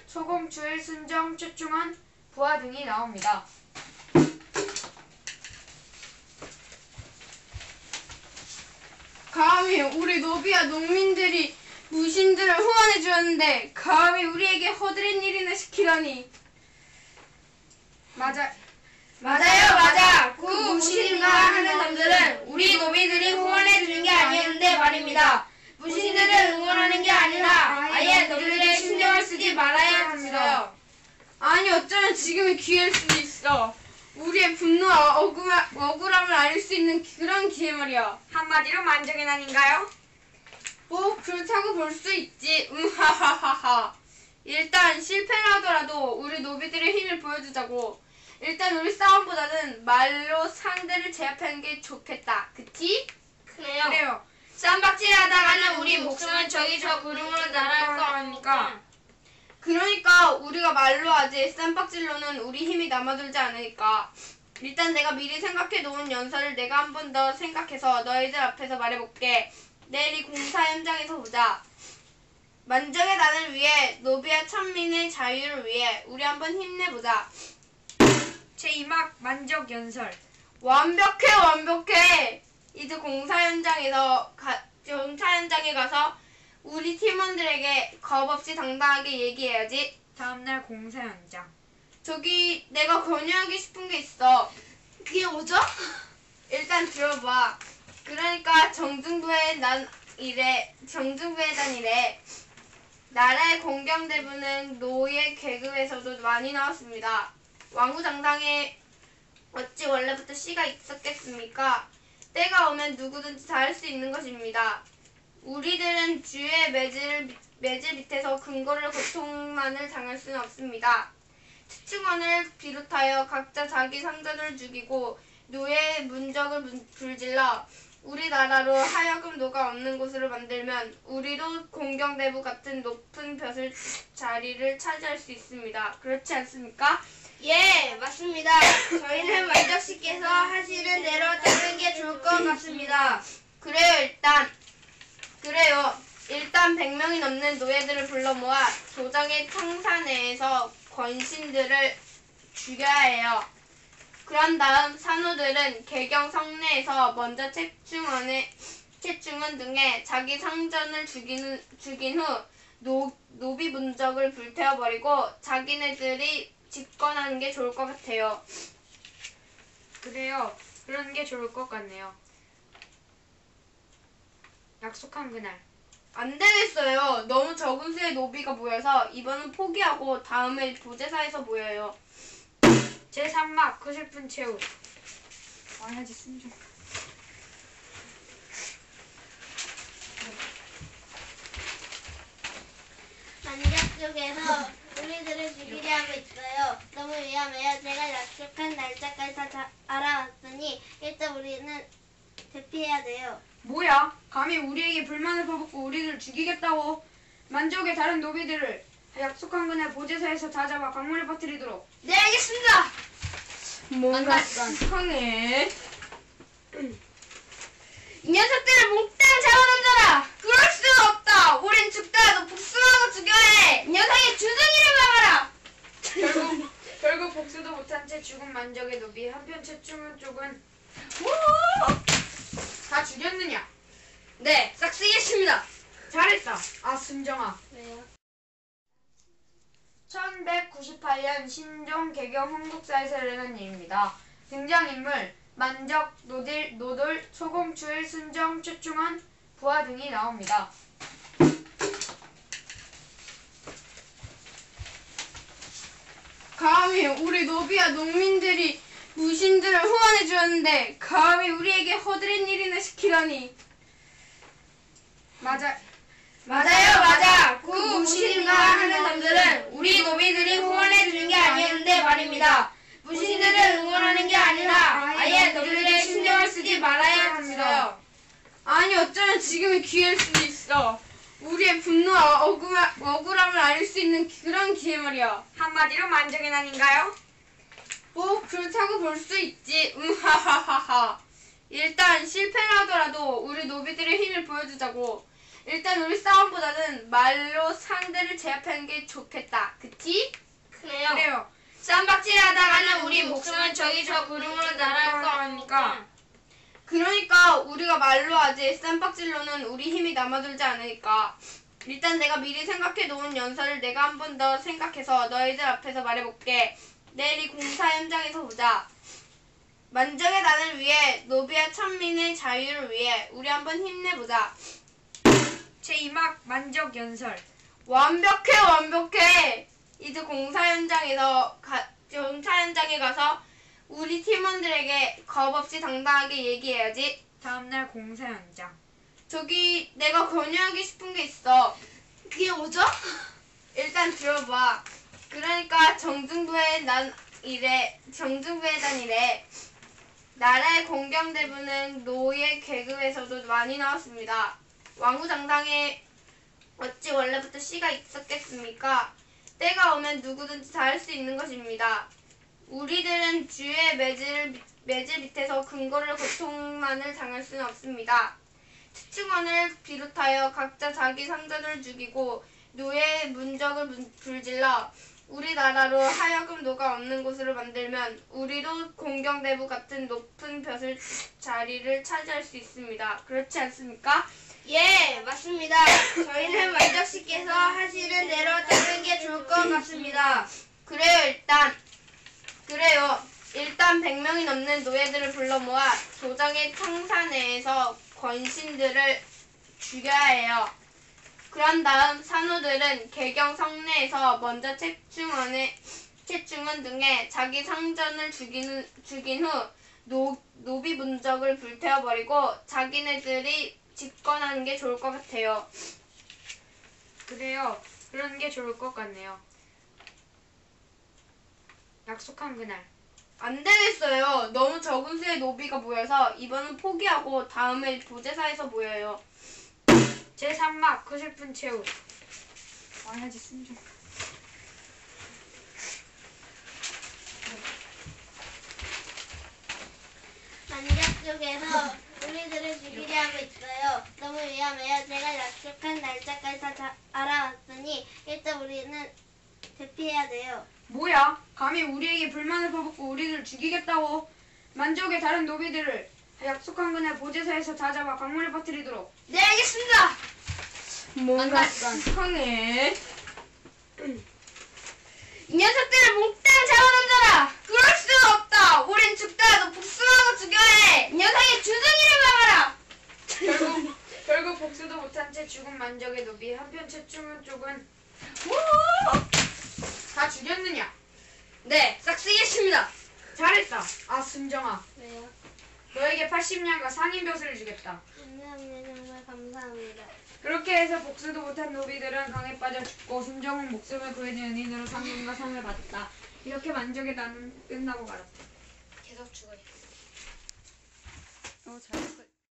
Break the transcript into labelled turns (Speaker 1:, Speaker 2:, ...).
Speaker 1: 소공, 주일, 순정, 최충원, 부하 등이 나옵니다.
Speaker 2: 감히 우리 노비와 농민들이 무신들을 후원해 주었는데 감히 우리에게 허드렛 일이나 시키다니.
Speaker 1: 맞아.
Speaker 3: 그 무신인가 하는 놈들은 우리 노비들이 후원해 주는 게 아니었는데 말입니다. 무신들을 응원하는 게 아니라 아예 너희들의 신경을 쓰지 말아야 했어요.
Speaker 2: 아니 어쩌면 지금이 기회일 수도 있어. 우리의 분노와 억울함을 알 수 있는 그런 기회 말이야.
Speaker 1: 한마디로 만족의 난인가요?
Speaker 2: 뭐 그렇다고 볼 수 있지. 하하하하. 일단 실패를 하더라도 우리 노비들의 힘을 보여주자고. 일단 우리 싸움보다는 말로 상대를 제압하는 게 좋겠다. 그치?
Speaker 3: 그래요. 쌈박질 하다가는 우리 목숨은 저기 저 구름으로 날아갈 거니까.
Speaker 2: 그러니까 우리가 말로 하지 쌈박질로는 우리 힘이 남아돌지 않으니까. 일단 내가 미리 생각해 놓은 연설을 내가 한 번 더 생각해서 너희들 앞에서 말해볼게. 내일 이 공사 현장에서 보자. 만족의 난을 위해 노비와 천민의 자유를 위해 우리 한번 힘내보자.
Speaker 1: 제2막 만족 연설.
Speaker 2: 완벽해. 이제 공사 현장에 가서 우리 팀원들에게 겁없이 당당하게 얘기해야지.
Speaker 1: 다음날 공사 현장.
Speaker 2: 저기 내가 권유하고 싶은 게 있어.
Speaker 3: 그게 뭐죠?
Speaker 2: 일단 들어봐. 그러니까 정중부에 단 이래. 나라의 공경대부는 노예 계급에서도 많이 나왔습니다. 왕후장당에 어찌 원래부터 씨가 있었겠습니까? 때가 오면 누구든지 다 할 수 있는 것입니다. 우리들은 주의 매질 밑에서 근거를 고통만을 당할 수는 없습니다. 특충원을 비롯하여 각자 자기 상전을 죽이고 노예의 문적을 불질러 우리나라로 하여금 노가 없는 곳으로 만들면 우리도 공경대부 같은 높은 자리를 차지할 수 있습니다. 그렇지 않습니까?
Speaker 3: 예, 맞습니다. 저희는 만족씨께서 하시는 대로 따르는 게 좋을 것 같습니다.
Speaker 2: 그래요. 일단 100명이 넘는 노예들을 불러 모아 조정의 청사 내에서 권신들을 죽여야 해요. 그런 다음 산호들은 개경 성내에서 먼저 채충원 등의 자기 상전을 죽인 후 노비 문적을 불태워버리고 자기네들이 집권하는 게 좋을 것 같아요.
Speaker 1: 그래요. 그런 게 좋을 것 같네요. 약속한 그날.
Speaker 2: 안 되겠어요. 너무 적은 수의 노비가 모여서 이번은 포기하고 다음에 보제사에서 모여요.
Speaker 1: 제3막 그 슬픈 최후. 와야지 순정.
Speaker 4: 만족 쪽에서 우리들을 죽이려 하고 있어요. 너무 위험해요. 제가 약속한 날짜까지 다 알아왔으니 일단 우리는 대피해야 돼요.
Speaker 1: 뭐야? 감히 우리에게 불만을 퍼붓고 우리를 죽이겠다고? 만족의 다른 노비들을 약속한 그날 보제사에서 다 잡아 강물에 빠뜨리도록.
Speaker 3: 네, 알겠습니다.
Speaker 2: 뭔가 이상해.
Speaker 3: 이 녀석들을 몽땅 잡아넘겨라.
Speaker 2: 그럴 수 없다. 우린 죽더라도 복수하고 죽여야 해.
Speaker 3: 이 녀석의 주둥이를 막아라.
Speaker 1: 결국 복수도 못한 채 죽은 만족의 노비. 한편 최충원 쪽은 다 죽였느냐?
Speaker 3: 네, 싹 쓰겠습니다.
Speaker 1: 잘했다. 아 순정아.
Speaker 4: 왜요?
Speaker 1: 1198년 신종 개경 흥국사에서 일어난 일입니다. 등장인물 만적, 노돌, 소공, 주일, 순정, 최충원, 부하 등이 나옵니다.
Speaker 2: 감히 우리 노비와 농민들이 무신들을 후원해 주었는데 감히 우리에게 허드렛 일이나 시키다니.
Speaker 1: 맞아.
Speaker 3: 그 무신인가 하는 놈들은 우리 노비들이 후원해 주는 게 아니었는데 말입니다. 무신들을 응원하는 게 아니라 아예 너희들의 신경을 쓰지 말아야 했어요.
Speaker 2: 아니 어쩌면 지금이 기회일 수도 있어. 우리의 분노와 억울함을 알 수 있는 그런 기회 말이야.
Speaker 1: 한마디로 만족의 난인가요?
Speaker 2: 뭐 그렇다고 볼 수 있지. 하하하하. 일단 실패를 하더라도 우리 노비들의 힘을 보여주자고. 일단 우리 싸움보다는 말로 상대를 제압하는 게 좋겠다. 그치?
Speaker 1: 그래요.
Speaker 3: 쌈박질 하다가는 우리 목숨은 저기 저 구름으로 날아갈 거라니까.
Speaker 2: 그러니까 우리가 말로 하지 쌈박질로는 우리 힘이 남아돌지 않으니까. 일단 내가 미리 생각해 놓은 연설을 내가 한 번 더 생각해서 너희들 앞에서 말해볼게. 내일 이 공사 현장에서 보자. 만족의 단을 위해 노비와 천민의 자유를 위해 우리 한번 힘내보자.
Speaker 1: 제2막 만족 연설.
Speaker 2: 완벽해. 이제 공사 현장에 가서 우리 팀원들에게 겁없이 당당하게 얘기해야지.
Speaker 1: 다음날 공사 현장.
Speaker 2: 저기 내가 권유하고 싶은 게 있어.
Speaker 3: 그게 뭐죠?
Speaker 2: 일단 들어봐. 그러니까 정중부에 단 이래. 나라의 공경대부는 노예 계급에서도 많이 나왔습니다. 왕후장당에 어찌 원래부터 씨가 있었겠습니까? 때가 오면 누구든지 다 할 수 있는 것입니다. 우리들은 주의 매질 밑에서 근거를 고통만을 당할 수는 없습니다. 특충원을 비롯하여 각자 자기 상전을 죽이고 노예의 문적을 불질러 우리나라로 하여금 노가 없는 곳으로 만들면 우리도 공경대부 같은 높은 벼슬 자리를 차지할 수 있습니다. 그렇지 않습니까?
Speaker 3: 예, 맞습니다. 저희는 만족씨께서 하시는 대로 따르는 게 좋을 것 같습니다.
Speaker 2: 일단 100명이 넘는 노예들을 불러 모아 조정의 청사 내에서 권신들을 죽여야 해요. 그런 다음 산호들은 개경 성내에서 먼저 채충원 등의 자기 상전을 죽인 후 노비 문적을 불태워버리고 자기네들이 집권하는 게 좋을 것 같아요.
Speaker 1: 그래요. 그런 게 좋을 것 같네요. 약속한 그날.
Speaker 2: 안 되겠어요. 너무 적은 수의 노비가 모여서 이번은 포기하고 다음에 보제사에서 모여요.
Speaker 1: 제3막 그 슬픈 최후. 와야지 순종.
Speaker 4: 만작 쪽에서 우리들을 죽이려 하고 있어요. 너무 위험해요. 제가 약속한 날짜까지 다 알아왔으니 일단 우리는 대피해야 돼요.
Speaker 1: 뭐야? 감히 우리에게 불만을 퍼붓고 우리들을 죽이겠다고? 만족의 다른 노비들을 약속한 그날 보제사에서 다 잡아 강물에 빠뜨리도록.
Speaker 3: 네, 알겠습니다.
Speaker 2: 뭔가 이상해.
Speaker 3: 이 녀석들을 몽땅 잡아넘겨라.
Speaker 2: 그럴 수는 없다. 우린 죽더라도 복수하고 죽여야 해.
Speaker 3: 이 녀석의 주둥이를 막아라.
Speaker 1: 결국 복수도 못한 채 죽은 만족의 노비. 한편 채충은 쪽은 다 죽였느냐?
Speaker 3: 네, 싹 쓰겠습니다.
Speaker 1: 잘했다. 아 순정아,
Speaker 4: 왜요?
Speaker 1: 너에게 80년과 상인벼슬을 주겠다.
Speaker 4: 감사합니다. 정말 감사합니다.
Speaker 1: 그렇게 해서 복수도 못한 노비들은 강에 빠져 죽고 순정은 목숨을 구해준 연인으로 상금과 상을 받았다. 이렇게 만족의 나는 끝나고 말았다.
Speaker 3: 계속 죽어요.
Speaker 1: 잘했어.